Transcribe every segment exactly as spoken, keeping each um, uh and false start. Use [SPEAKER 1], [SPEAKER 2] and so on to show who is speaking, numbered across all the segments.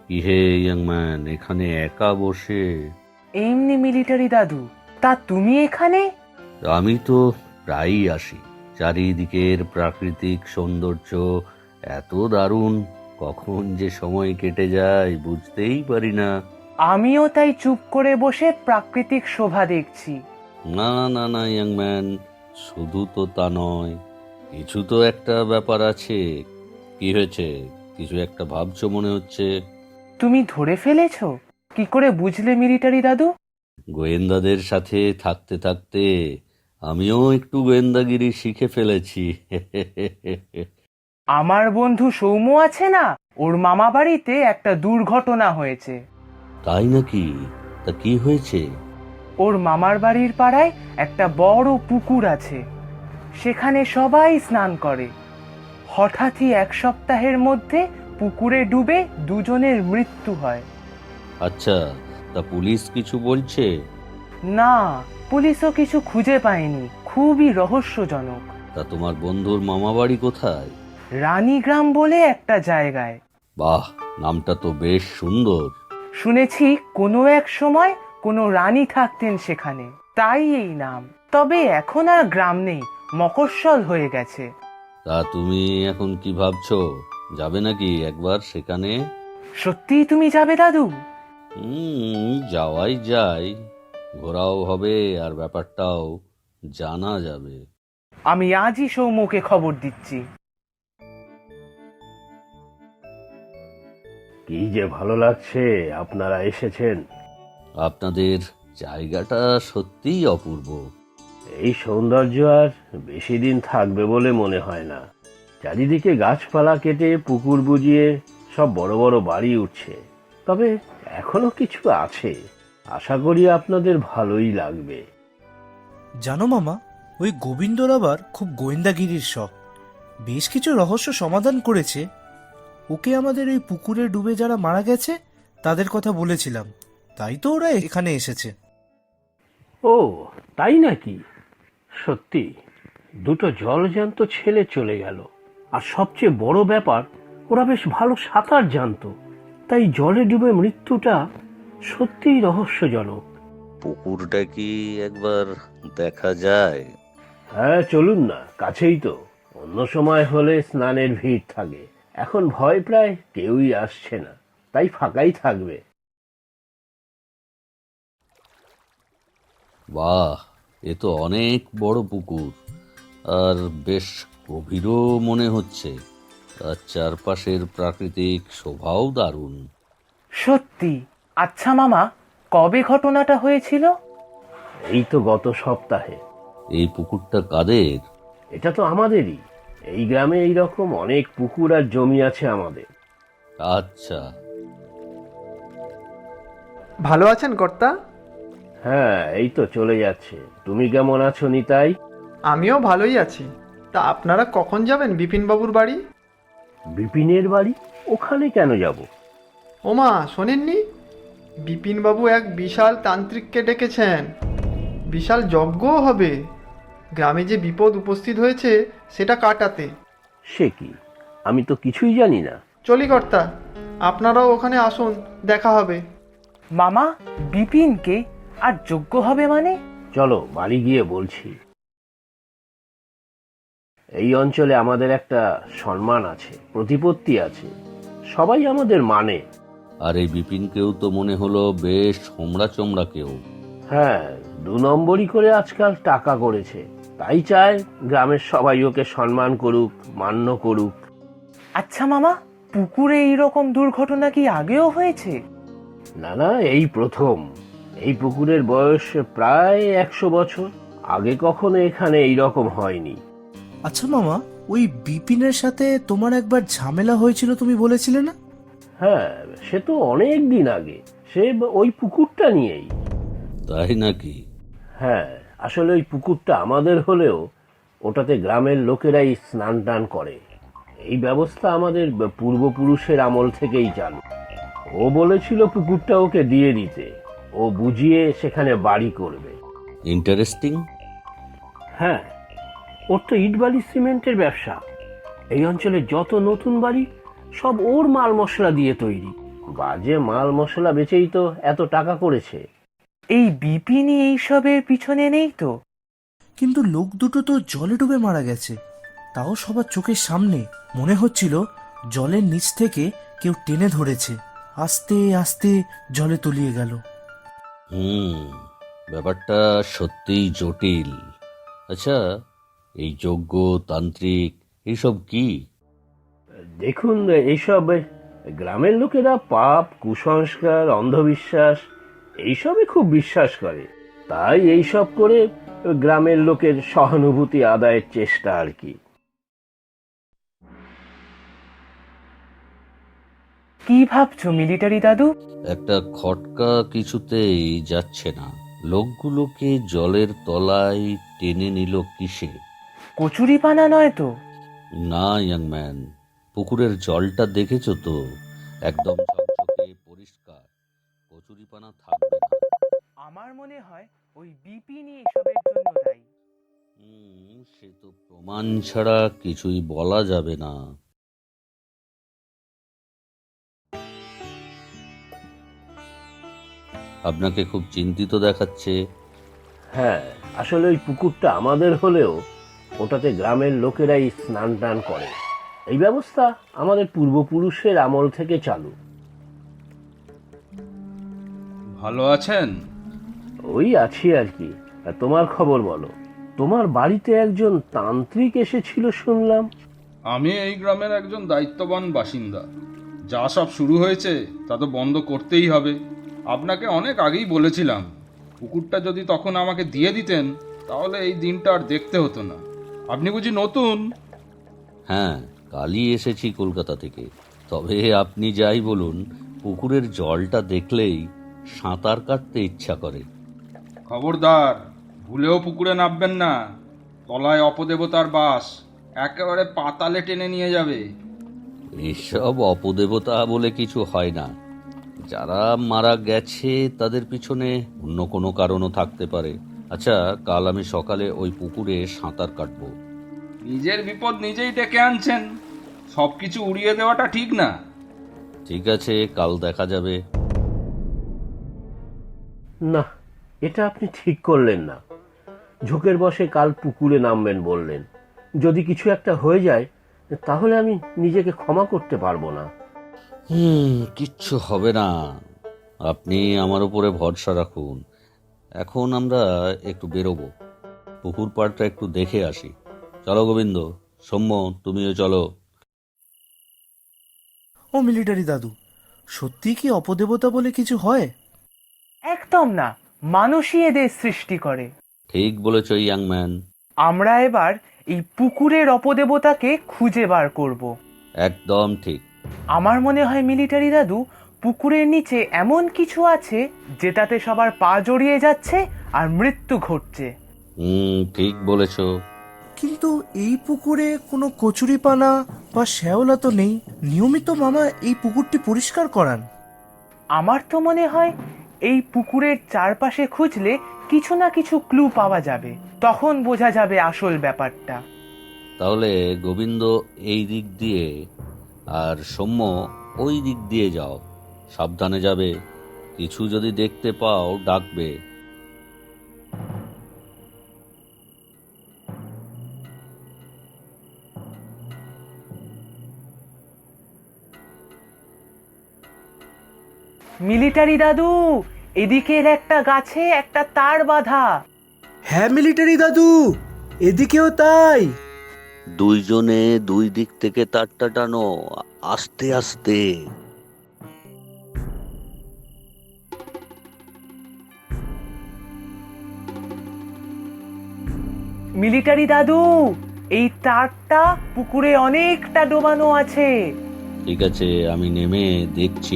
[SPEAKER 1] কি hey young man, এখানে একা বসে?
[SPEAKER 2] এমনি মিলিটারি দাদু। তা তুমি এখানে?
[SPEAKER 1] আমি তো প্রায়ই আসি। চারিদিকের প্রাকৃতিক সৌন্দর্য এত দারুণ, কখন যে সময় কেটে যায় বুঝতেই পারি না।
[SPEAKER 2] আমিও তাই চুপ করে বসে প্রাকৃতিক শোভা দেখছি।
[SPEAKER 1] না না না না ইয়াং ম্যান, শুধু তো তা নয়, কিছু তো একটা ব্যাপার আছে। কি হয়েছে? কিছু একটা ভাবছো মনে হচ্ছে।
[SPEAKER 2] তুমি ধরে ফেলেছো? কি করে বুঝলে মিলিটারি দাদু?
[SPEAKER 1] গোয়েন্দাদের সাথে থাকতে থাকতে আমিও একটু গোয়েন্দাগিরি শিখে ফেলেছি।
[SPEAKER 2] আমার বন্ধু সৌম্য আছে না, ওর মামা বাড়িতে একটা দুর্ঘটনা হয়েছে।
[SPEAKER 1] তাই নাকি? তা কি হয়েছে?
[SPEAKER 2] ওর মামার বাড়ির পাড়ায় একটা বড় পুকুর আছে, সেখানে সবাই স্নান করে। হঠাৎই এক সপ্তাহের মধ্যে পুকুরে ডুবে দুজনের মৃত্যু হয়।
[SPEAKER 1] আচ্ছা, তা পুলিশ কিছু বলছে?
[SPEAKER 2] না, পুলিশও কিছু খুঁজে পায়নি। খুবই রহস্যজনক।
[SPEAKER 1] তা তোমার বন্ধুর মামা বাড়ি কোথায়?
[SPEAKER 2] রানীগ্রাম বলে একটা জায়গায়।
[SPEAKER 1] বাহ, নামটা তো বেশ সুন্দর।
[SPEAKER 2] শুনেছি কোনো এক সময় কোনো রানী থাকতেন সেখানে, তাই এই নাম। তবে এখন আর গ্রাম নেই, মফস্বল হয়ে গেছে।
[SPEAKER 1] তা তুমি এখন কি ভাবছো, যাবে নাকি একবার সেখানে?
[SPEAKER 2] সত্যিই তুমি যাবে দাদু?
[SPEAKER 1] হুম, যাওয়াই যায়। ঘোরাও হবে আর ব্যাপারটাও জানা যাবে।
[SPEAKER 2] আমি আজই সৌম্যকে খবর দিচ্ছি।
[SPEAKER 3] কি যে ভালো লাগছে আপনারা এসেছেন।
[SPEAKER 1] আপনাদের জায়গাটা সত্যিই অপূর্ব।
[SPEAKER 3] এই সৌন্দর্য আর বেশি দিন থাকবে বলে মনে হয় না। চারিদিকে গাছপালা কেটে পুকুর বুজিয়ে সব বড় বড় বাড়ি উঠছে। তবে এখনো কিছু আছে, আশা করি আপনাদের ভালোই লাগবে।
[SPEAKER 4] জানো মামা, ওই গোবিন্দর আবার খুব গোয়েন্দাগিরির শখ। বেশ কিছু রহস্য সমাধান করেছে। ওকে আমাদের ওই পুকুরে ডুবে যারা মারা গেছে তাদের কথা বলেছিলাম, তাই তো ওরা এখানে এসেছে।
[SPEAKER 3] ও তাই নাকি? সত্যি, দুটো জলজ্যান্ত ছেলে চলে গেল। আর সবচেয়ে বড় ব্যাপার, ওরা বেশ ভালো সাঁতার জানতো। তাই জলে ডুবে মৃত্যুটা সত্যিই রহস্যজনক।
[SPEAKER 1] পুকুরটা কি একবার দেখা যায়?
[SPEAKER 3] হ্যাঁ চলুন না, কাছেই তো। অন্য সময় হলে স্নানের ভিড় থাকে, এখন ভয় প্রায় কেউই আসছে না, তাই ফাঁকাই থাকবে।
[SPEAKER 1] বাহ, এ তো অনেক বড় পুকুর, আর বেশ গভীরও মনে হচ্ছে। আর চারপাশের প্রাকৃতিক শোভাও দারুণ।
[SPEAKER 2] সত্যি? আচ্ছা মামা, কবে ঘটনাটা হয়েছিল?
[SPEAKER 3] এই তো গত সপ্তাহে।
[SPEAKER 1] এই পুকুরটা কাদের?
[SPEAKER 3] এটা তো আমাদেরই। এই গ্রামে এই রকম অনেক পুকুর আর জমি আছে আমাদের।
[SPEAKER 1] আচ্ছা।
[SPEAKER 5] ভালো আছেন কর্তা?
[SPEAKER 3] হ্যাঁ, এই তো চলে যাচ্ছে। তুমি কেমন আছো নিতাই?
[SPEAKER 5] আমিও ভালোই আছি। তা আপনারা কখন যাবেন বিপিনবাবুর বাড়ি?
[SPEAKER 3] বিপিনের বাড়ি? ওখানে কেন যাব?
[SPEAKER 5] ওমা, শোনেননি? বিপিনবাবু এক বিশাল তান্ত্রিককে ডেকেছেন। বিশাল যজ্ঞও হবে গ্রামে যে বিপদ উপস্থিত হয়েছে সেটা কাটাতে।
[SPEAKER 3] সে কি, আমি তো কিছুই জানি না।
[SPEAKER 5] চলি কর্তা, আপনারাও ওখানে আসুন, দেখা হবে।
[SPEAKER 2] মামা, বিপিনকে? আর যোগ্য হবে মানে?
[SPEAKER 3] চলো বাড়ি গিয়ে বলছি। এই অঞ্চলে আমাদের একটা সম্মান আছে, প্রতিপত্তি আছে, সবাই আমাদের মানে।
[SPEAKER 1] আর এই বিপিনকেও তো মনে হলো বেশ হোমড়া চোমড়া কেউ।
[SPEAKER 3] হ্যাঁ, দু নম্বরই করে আজকাল টাকা করেছে, তাই চায় গ্রামের সবাই ওকে সম্মান করুক, মান্য করুক।
[SPEAKER 2] আচ্ছা মামা, পুকুরে এইরকম দুর্ঘটনা কি আগেও হয়েছে?
[SPEAKER 3] না না, এই প্রথম। এই পুকুরের বয়স প্রায় একশো বছর। আগে কখনো এখানে এই রকম হয়নি।
[SPEAKER 4] আচ্ছা মামা, ওই বিপিনের সাথে তোমার একবার ঝামেলা হয়েছিল তুমি বলেছিলে না?
[SPEAKER 3] হ্যাঁ, সে তো অনেক দিন আগে। সে ওই পুকুরটা নিয়েই।
[SPEAKER 1] তাই নাকি?
[SPEAKER 3] হ্যাঁ, আসলে ওই পুকুরটা আমাদের হলেও ওটাতে গ্রামের লোকেরাই স্নান টান করে। এই ব্যবস্থা আমাদের পূর্বপুরুষের আমল থেকেই চালু। ও বলেছিল পুকুরটা ওকে দিয়ে দিতে, ও বুঝিয়ে সেখানে বাড়ি করবে।
[SPEAKER 1] ইন্টারেস্টিং।
[SPEAKER 3] হ্যাঁ, ওর তো ইট বালি সিমেন্টের ব্যবসা। এই অঞ্চলে যত নতুন বাড়ি সব ওর মাল মশলা দিয়ে তৈরি। বাজে মাল মশলা বেচেই তো এত টাকা করেছে।
[SPEAKER 2] এই বিপিনই এইসবের পিছনে নেই তো?
[SPEAKER 4] কিন্তু লোক দুটো তো জলে ডুবে মারা গেছে, তাও সবার চোখের সামনে। মনে হচ্ছিল জলের নিচ থেকে কেউ টেনে ধরেছে, আস্তে আস্তে জলে তলিয়ে গেল।
[SPEAKER 1] হুম, ব্যাপারটা সত্যিই জটিল। আচ্ছা, এই যজ্ঞ তান্ত্রিক এইসব কি?
[SPEAKER 3] দেখুন, এইসব গ্রামের লোকেরা পাপ, কুসংস্কার, অন্ধবিশ্বাস এইসবই খুব বিশ্বাস করে। তাই এইসব করে গ্রামের লোকের সহানুভূতি আদায়ের চেষ্টা আর কি।
[SPEAKER 2] কি ভাবছো মিলিটারি দাদু?
[SPEAKER 1] একটা খটকা কিছুতেই যাচ্ছে না। লোকগুলোকে জলের তলায় টেনে নিল কিসে?
[SPEAKER 2] কচুরিপানা নয় তো?
[SPEAKER 1] না ইয়াং ম্যান, পুকুরের জলটা দেখেছো তো? একদম ঝকঝকে পরিষ্কার, কচুরিপানা থাকবে না।
[SPEAKER 2] আমার মনে হয় ওই বিপিনই এসবের জন্য দায়ী।
[SPEAKER 1] হুম, সে তো প্রমাণ ছাড়া কিছুই বলা যাবে না। আপনাকে খুব চিন্তিত দেখাচ্ছে।
[SPEAKER 3] হ্যাঁ, আসলে ওই পুকুরটা আমাদের হলেও ওটাতে গ্রামের লোকেরাই স্নান টান করে। এই ব্যবস্থা আমাদের পূর্বপুরুষের আমল থেকে চালু।
[SPEAKER 6] ভালো আছেন?
[SPEAKER 3] ওই আছি আর কি। আর তোমার খবর বলো। তোমার বাড়িতে একজন তান্ত্রিক এসেছিল শুনলাম।
[SPEAKER 6] আমি এই গ্রামের একজন দায়িত্ববান বাসিন্দা। যা সব শুরু হয়েছে তা তো বন্ধ করতেই হবে। আপনাকে অনেক আগেই বলেছিলাম, পুকুরটা যদি তখন আমাকে দিয়ে দিতেন তাহলে এই দিনটা আর দেখতে হতো না। আপনি বুঝি নতুন?
[SPEAKER 1] হ্যাঁ, কালই এসেছি কলকাতা থেকে। তবে আপনি যাই বলুন, পুকুরের জলটা দেখলেই সাঁতার কাটতে ইচ্ছা করে।
[SPEAKER 6] খবরদার, ভুলেও পুকুরে নামবেন না। তলায় অপদেবতার বাস, একেবারে পাতালে টেনে নিয়ে যাবে।
[SPEAKER 1] এসব অপদেবতা বলে কিছু হয় না। যারা মারা গেছে তাদের পিছনে অন্য কোনো কারণও থাকতে পারে। আচ্ছা, কাল আমি সকালে ওই পুকুরে সাঁতার কাটবো।
[SPEAKER 6] নিজের বিপদ নিজেই ডেকে আনছেন। সব কিছু উড়িয়ে দেওয়াটা ঠিক না।
[SPEAKER 1] ঠিক আছে, কাল দেখা যাবে।
[SPEAKER 3] না, এটা আপনি ঠিক করলেন না। ঝোঁকের বসে কাল পুকুরে নামবেন বললেন। যদি কিছু একটা হয়ে যায় তাহলে আমি নিজেকে ক্ষমা করতে পারবো না।
[SPEAKER 1] হুম, কিচ্ছু হবে না। আপনি আমার উপরে ভরসা রাখুন। এখন আমরা একটু বেরোবো, পুকুর পাড়টা একটু দেখে আসি। চলো গোবিন্দ, সৌম্য, তুমিও চলো।
[SPEAKER 4] ও মিলিটারি দাদু, সত্যি কি অপদেবতা বলে কিছু হয়?
[SPEAKER 2] একদম না, মানুষই এদের সৃষ্টি করে।
[SPEAKER 1] ঠিক বলেছ ইয়াং ম্যান।
[SPEAKER 2] আমরা এবার এই পুকুরের অপদেবতাকে খুঁজে বার করব।
[SPEAKER 1] একদম ঠিক।
[SPEAKER 2] আমার মনে হয় মিলিটারি দাদু, পুকুরের নিচে এমন কিছু আছে যেটাতে সবার পা জড়িয়ে যাচ্ছে আর মৃত্যু ঘটছে।
[SPEAKER 1] হুম, ঠিক বলেছ।
[SPEAKER 4] কিন্তু এই পুকুরে কোনো কচুরিপানা বা শ্যাওলা তো নেই। নিয়মিত মামা এই পুকুরটি পরিষ্কার করান।
[SPEAKER 2] আমার তো মনে হয় এই পুকুরের চারপাশে খুঁজলে কিছু না কিছু ক্লু পাওয়া যাবে, তখন বোঝা যাবে আসল ব্যাপারটা।
[SPEAKER 1] তাহলে গোবিন্দ এই দিক দিয়ে আর সৌম্য ওই দিক দিয়ে যাও। সাবধানে যাবে। কিছু যদি দেখতে পাও ডাকবে।
[SPEAKER 2] মিলিটারি দাদু, এদিকের একটা গাছে একটা তার বাঁধা।
[SPEAKER 4] হ্যাঁ মিলিটারি দাদু, এদিকেও তাই।
[SPEAKER 1] দুইজনে দুই দিক থেকে তারটা টানো, আস্তে আস্তে।
[SPEAKER 2] মিলিটারি দাদু, এই তারটা পুকুরে অনেকটা ডোবানো আছে।
[SPEAKER 1] ঠিক আছে, আমি নেমে দেখছি।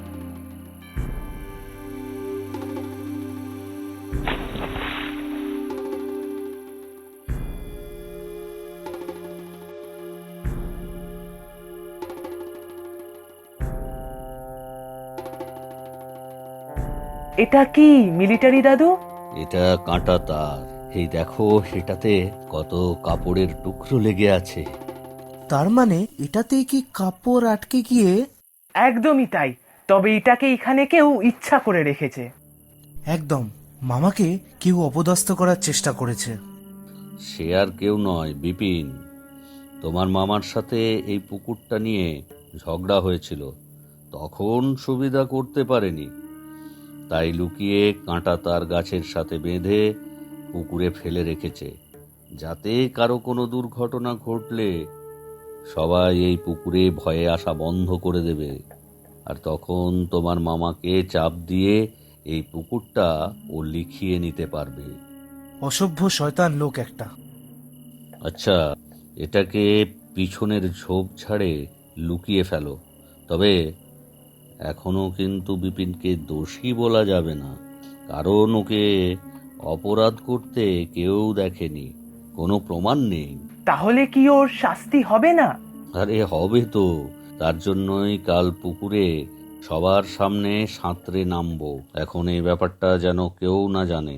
[SPEAKER 2] এটা কি মিলিটারি দাদু?
[SPEAKER 1] এটা কাঁটা তার। এই দেখো, এটাতে কত কাপড়ের টুকরো লেগে আছে।
[SPEAKER 4] তার মানে এটাতেই কি কাপড় আটকে গিয়ে?
[SPEAKER 2] একদমই তাই। তবে এটাকে এখানে কেউ ইচ্ছা করে রেখেছে।
[SPEAKER 4] একদম, মামাকে কেউ অপদস্থ করার চেষ্টা করেছে।
[SPEAKER 1] সে আর কেউ নয়, বিপিন। তোমার মামার সাথে এই পুকুরটা নিয়ে ঝগড়া হয়েছিল, তখন সুবিধা করতে পারেনি, তাই লুকিয়ে কাঁটা তার গাছের সাথে বেঁধে পুকুরে ফেলে রেখেছে, যাতে কারো কোনো দুর্ঘটনা ঘটলে সবাই এই পুকুরে ভয়ে আসা বন্ধ করে দেবে, আর তখন তোমার মামাকে চাপ দিয়ে এই পুকুরটা ও লিখিয়ে নিতে পারবে।
[SPEAKER 4] অসভ্য শয়তান লোক একটা।
[SPEAKER 1] আচ্ছা, এটাকে পিছনের ঝোপ ঝাড়ে লুকিয়ে ফেলো। তবে এখনো কিন্তু বিপিনকে দোষী বলা যাবে না, কারণ ওকে অপরাধ করতে কেউ দেখেনি, কোনো প্রমাণ নেই।
[SPEAKER 2] তাহলে কি ওর শাস্তি হবে না?
[SPEAKER 1] আরে হবে তো, তার জন্যই কাল পুকুরে সবার সামনে সাঁতরে নামবো। এখন এই ব্যাপারটা যেন কেউ না জানে।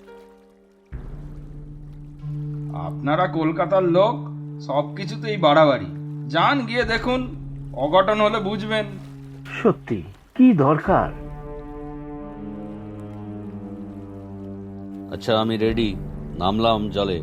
[SPEAKER 6] আপনারা কলকাতার লোক, সব কিছুতেই বাড়াবাড়ি। যান, গিয়ে দেখুন, অঘটন হলে বুঝবেন।
[SPEAKER 3] সত্যি কি দরকার?
[SPEAKER 1] আচ্ছা, আমি রেডি, নামলাম জলে।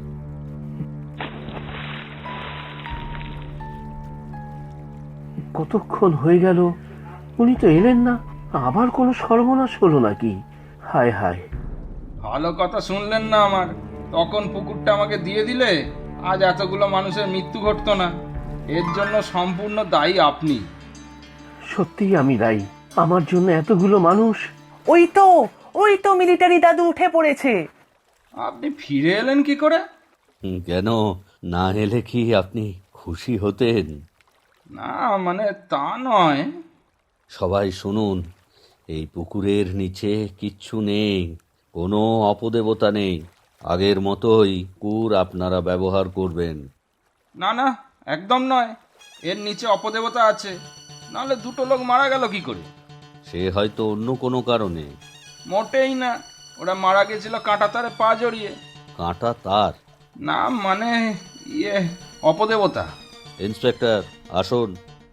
[SPEAKER 3] কতক্ষণ হয়ে গেল, উনি তো এলেন না। আবার কোনো সর্বনাশ হলো নাকি? হায় হায়।
[SPEAKER 6] ভালো কথা শুনলেন না আমার। তখন পুকুরটা আমাকে দিয়ে দিলে আজ এতগুলো মানুষের মৃত্যু ঘটতো না। এর জন্য সম্পূর্ণ দায়ী আপনি।
[SPEAKER 3] সত্যি আমি দায়ী, আমার জন্য এতগুলো মানুষ।
[SPEAKER 2] ওই তো ওই তো মিলিটারি দাদু উঠে পড়েছে।
[SPEAKER 6] আপনি ফিরে এলেন কি করে?
[SPEAKER 1] হুম, কেন না এলে কি আপনি খুশি হতেন?
[SPEAKER 6] না, মানে তা নয়।
[SPEAKER 1] সবাই শুনুন, এই পুকুরের নিচে কিচ্ছু নেই, কোনো অপদেবতা নেই। আগের মতোই কুর আপনারা ব্যবহার করবেন।
[SPEAKER 6] না না, একদম নয়। এর নিচে অপদেবতা আছে, নাহলে দুটো লোক মারা গেল কি করে?
[SPEAKER 1] সে হয়তো অন্য কোনো কারণে।
[SPEAKER 6] মোটেই না, ওরা মারা গেছিল কাঁটা তারে পা জড়িয়ে।
[SPEAKER 1] কাঁটা তার?
[SPEAKER 6] না মানে ইয়ে, অপদেবতা।
[SPEAKER 1] ইন্সপেক্টর আসুন।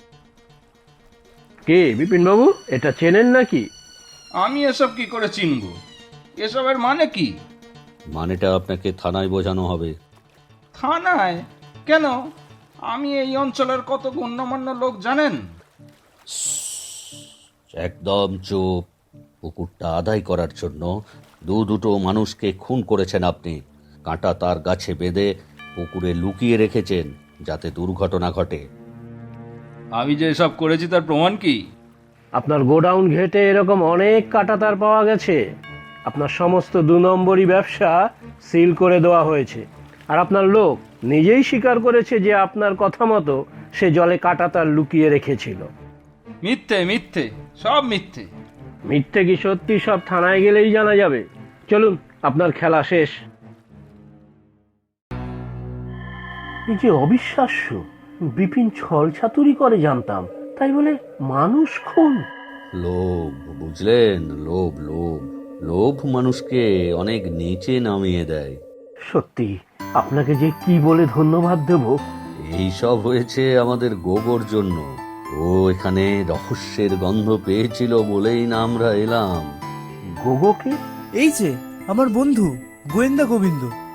[SPEAKER 3] কে বিপিন বাবু, এটা চেনেন নাকি?
[SPEAKER 6] আমি এসব কি করে চিনব? এসবের মানে কি?
[SPEAKER 1] মানেটা আপনাকে থানায় বোঝানো হবে।
[SPEAKER 6] থানায়? কেন? আমি এই অঞ্চলের কত গণ্যমান্য লোক জানেন।
[SPEAKER 1] একদম চুপ। পুকুরটা আদায় করার জন্য দু দুটো মানুষকে খুন করেছেন আপনি। কাঁটা তার গাছে বেঁধে পুকুরে লুকিয়ে রেখেছেন যাতে দুর্ঘটনা ঘটে।
[SPEAKER 6] আমি যে এসব করেছি তার প্রমাণ কি?
[SPEAKER 3] আপনার গোডাউন ঘেটে এরকম অনেক কাঁটাতার পাওয়া গেছে। আপনার সমস্ত দু নম্বরই ব্যবসা সিল করে দেওয়া হয়েছে। আর আপনার লোক নিজেই স্বীকার করেছে যে আপনার কথা মতো সে জলে কাঁটাতার লুকিয়ে রেখেছিল।
[SPEAKER 6] মিথ্যে মিথ্যে, সব মিথ্যে।
[SPEAKER 3] মিথ্যে কি সত্যি সব থানায় গেলেই জানা যাবে। চলুন, আপনার খেলা শেষ। এই যে অবিশ্বাস্য, বিপিন ছল ছাতুরি করে জানতাম, তাই বলে মানুষ খুন?
[SPEAKER 1] লোভ, বুঝলেন? লোভ লোভ লোভ মানুষকে অনেক নিচে নামিয়ে দেয়।
[SPEAKER 3] সত্যি আপনাকে যে কি বলে ধন্যবাদ দেব।
[SPEAKER 1] এই সব হয়েছে আমাদের গোবর জন্য। ও এখানে রহস্যের গন্ধ পেয়েছিল বলেই না আমরা এলাম।
[SPEAKER 3] গোগোকে?
[SPEAKER 4] এই যে আমার বন্ধু গোয়েন্দা গোবিন্দ।